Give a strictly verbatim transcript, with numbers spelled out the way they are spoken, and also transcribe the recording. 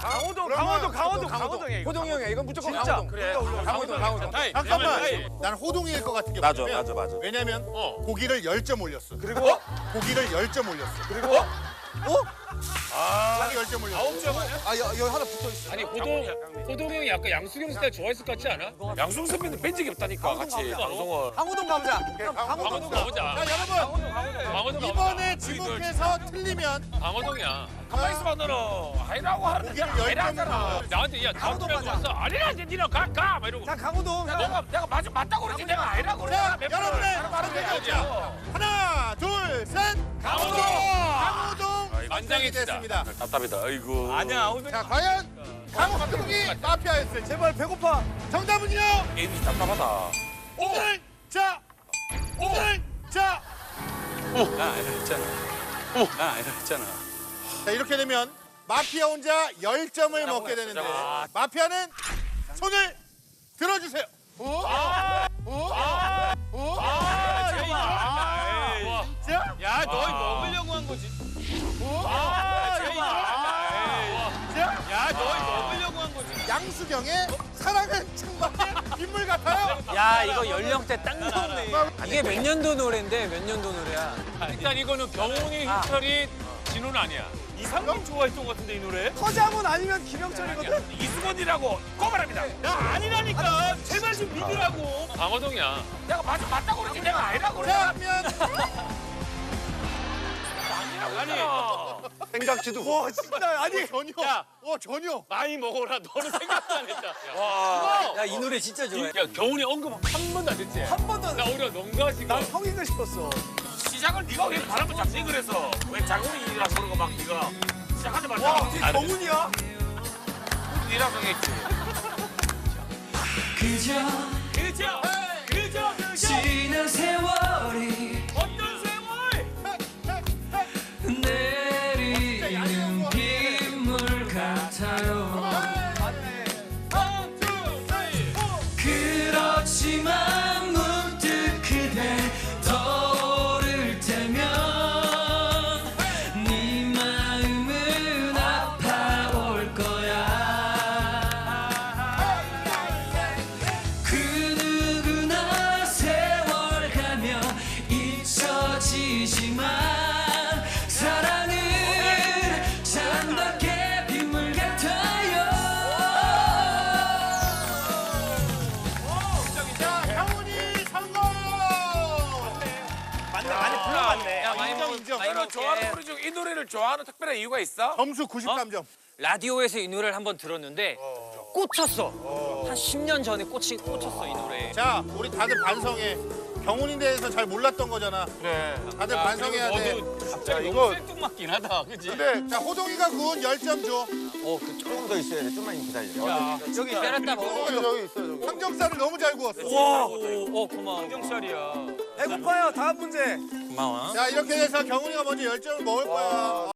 강호동, 강호동, 강호동, 강호동이야. 이거. 호동이 형이야. 이건 무조건 진짜. 강호동. 그래. 강호동, 강호동. 잠깐만. 난 호동이일 것 같은 게 맞아, 뭐냐면 맞아, 맞아. 왜냐면 고기를 열 점 올렸어. 그리고 고기를 열 점 올렸어. 그리고 아, 열 점 올렸어. 아홉 점 아니야? 아, 여, 여기 하나 붙어 있어. 아니 호동 호동 형이 약간 양수경 스타일 좋아했을 것 같지 않아? 양승 선배는 뺀 적이 없다니까 같이 방송을. 강호동 가보자. 강호동 가보자. 자, 여러분. 강호동 가보자. 이번에 지목해서 틀리면 강호동이야. 가만히 있어봐 너는. 하이라고 하는데 고기를 내가 열 하이라 점을 하잖아. 나한테 야 강호동 다음이라고 가자. 왔어. 아니라 이제 니는 가가 막 이러고. 자, 강호동. 내가 내가 맞 맞다고 그러지 내가 하이라고 그러지. 자, 여러분의 빠른 대결자. 하나, 둘, 셋. 강호동! 강호동 선정이 만장일치다. 됐습니다. 답답이다. 아이고. 아니야. 자, 과연 강호동이 마피아였을지. 제발 배고파. 정답은요? 게임이 답답하다. 오늘 자, 오늘 자. 나 아니라 했잖아. 나 아니라 했잖아. 자, 이렇게 되면 마피아 혼자 열 점을 먹게 되는데 마피아는 손을 들어주세요. 야, 너 먹으려고 한 거지. 야, 너 먹으려고 한 거지. 양수경의 사랑은 창밖의 빗물 같아요. 야, 이거 연령대 딱 나오네. 이게 몇 년도 노래인데 몇 년도 노래야? 일단 이거는 경훈이, 희철이, 진호는 아니야. 이상민 좋아했던 것 같은데 이 노래? 서장훈 아니면 김영철이거든? 이수건이라고 꼬발합니다. 야, 아니라니까. 제발 좀 믿으라고. 강호동이야. 내가 맞아 맞다고 그러지 내가 아니라고 그래. 자, 그러면 아니, 생각지도. 와, 진짜 아니 전혀. 어, 전혀. 많이 먹어라. 너는 생각도 안 했다. 와. 야, 이 노래 진짜 좋아해. 야, 경훈이 언급 한 번도 안 했지? 한 번도 나 오히려 농가지고. 난 형인가 싶었어. 시작을 네가 왜 바람을 잡지 그래서 왜 자궁이라고 그러고 막 네가 시작하자마자 와, 정훈이야? 니라고 했지. 그저 그죠? 그죠? 그죠? 지난 세월이 어떤 세월? 내리는 빗물 같아요. 그렇지만 문득 그대 떠오를 때면 네 마음은 아파올 거야. 그 누구나 세월 가면 잊혀지지만 사랑은 창밖의 빗물 같아요. 자, 강훈이 성공. 맞네, 많이 불러봤네. 야, 많이 인정, 인정. 너는 좋아하는 노래 중 이 노래를 좋아하는 특별한 이유가 있어? 점수 구십삼 점. 라디오에서 이 노래를 한번 들었는데 꽂혔어. 한 십 년 전에 꽂히, 꽂혔어, 이 노래. 자, 우리 다들 반성해. 경훈인 대해서 잘 몰랐던 거잖아. 그래. 다들 반성해야 돼. 너도 갑자기 이거- 너무 생뚱맞긴 하다, 그지? 네, 자, 호동이가 구운 열 점 줘. 어, 그 조금 더 있어야 돼. 좀만 기다려. 여기 때렸다 먹어. 저기 있어, 저기. 삼겹살을 너무 잘 구웠어. 와, 오, 고마워. 형살이야. 배고파요. 다음 문제. 고마워. 자, 이렇게 해서 경훈이가 먼저 열 점을 먹을 거야.